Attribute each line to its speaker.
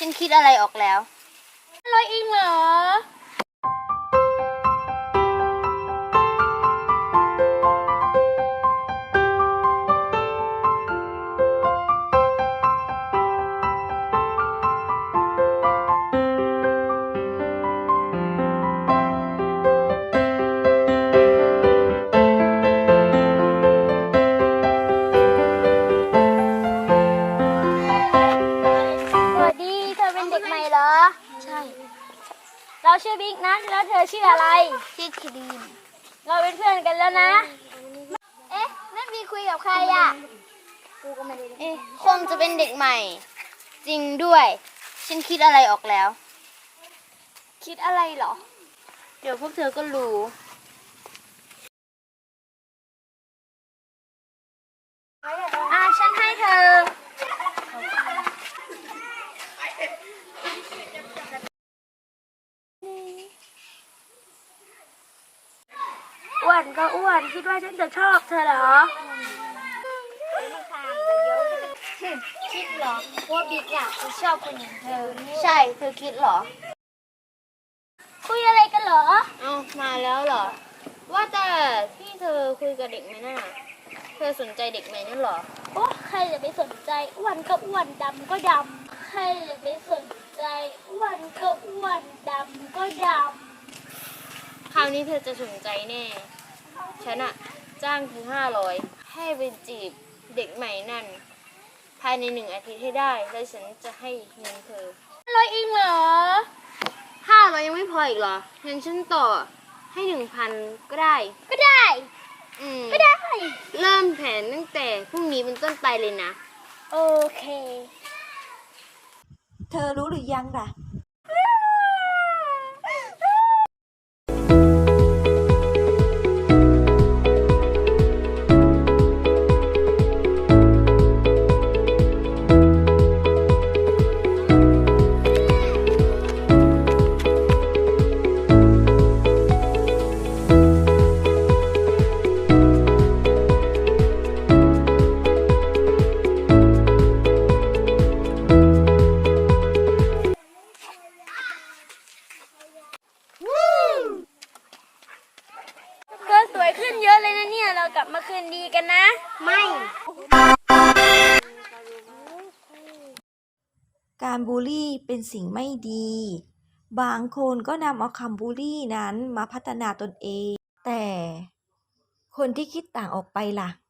Speaker 1: ฉันคิดอะไรออกแล้ว
Speaker 2: ร้อยเองเหรอสวัสดีเธอเป็นเด็กใหม่เหรอ
Speaker 1: ใช่
Speaker 2: เราชื่อบิ๊กนะแล้วเธอชื่ออะไร
Speaker 1: ชื่อครีม
Speaker 2: เราเป็นเพื่อนกันแล้วนะเอ๊ะนั่นบีคุยกับใครอ่ะกูก็ไม่ได้
Speaker 1: คงจะเป็นเด็กใหม่ จริงด้วย ฉันคิดอะไรออกแล้ว
Speaker 2: คิดอะไรเหรอ
Speaker 1: เดี๋ยวพวกเธอก็รู้
Speaker 2: ฉันให้เธออ้วนก็อ้วนคิดว่าฉันจะชอบเธอเหรอ
Speaker 1: คิดเหรอว่าบิ๊กอ่ะจะชอบคนอย่างเธอใช่เธอคิดเหรอ
Speaker 2: คุยอะไรกันเหรอ
Speaker 1: เอามาแล้วเหรอว่าแต่ที่เธอคุยกับเด็กไหมน่ะเธอสนใจเด็กไหมนั่นเหรอ
Speaker 2: โอ้ใครจะไปสนใจอ้วนก็อ้วนดำก็ดำใครจะไปสนใจอ้วนก็อ้วนดำก็ด
Speaker 1: คราวนี้เธอจะสนใจแน่ฉันอะจ้างเธอ500ให้ไปจีบเด็กใหม่นั่นภายใน1 อาทิตย์ให้ได้แล้วฉันจะให้เงินเธอ
Speaker 2: ร้อยเองเหรอ
Speaker 1: 500ยังไม่พออีกเหรองั้นฉันต่อให้1,000ก็ได้
Speaker 2: ก็ได้ก็ได้
Speaker 1: เริ่มแผนตั้งแต่พรุ่งนี้เป็นต้นไปเลยนะ
Speaker 2: โอเค
Speaker 3: เธอรู้หรือยังล่ะ
Speaker 2: ก็สวยขึ้นเยอะเลยนะเนี่ยเรากลับมาคืนดีกันนะ
Speaker 1: ไม่
Speaker 3: การบูลลี่เป็นสิ่งไม่ดี บางคนก็นำเอาคำบูลลี่นั้นมาพัฒนาตนเอง แต่คนที่คิดต่างออกไปล่ะ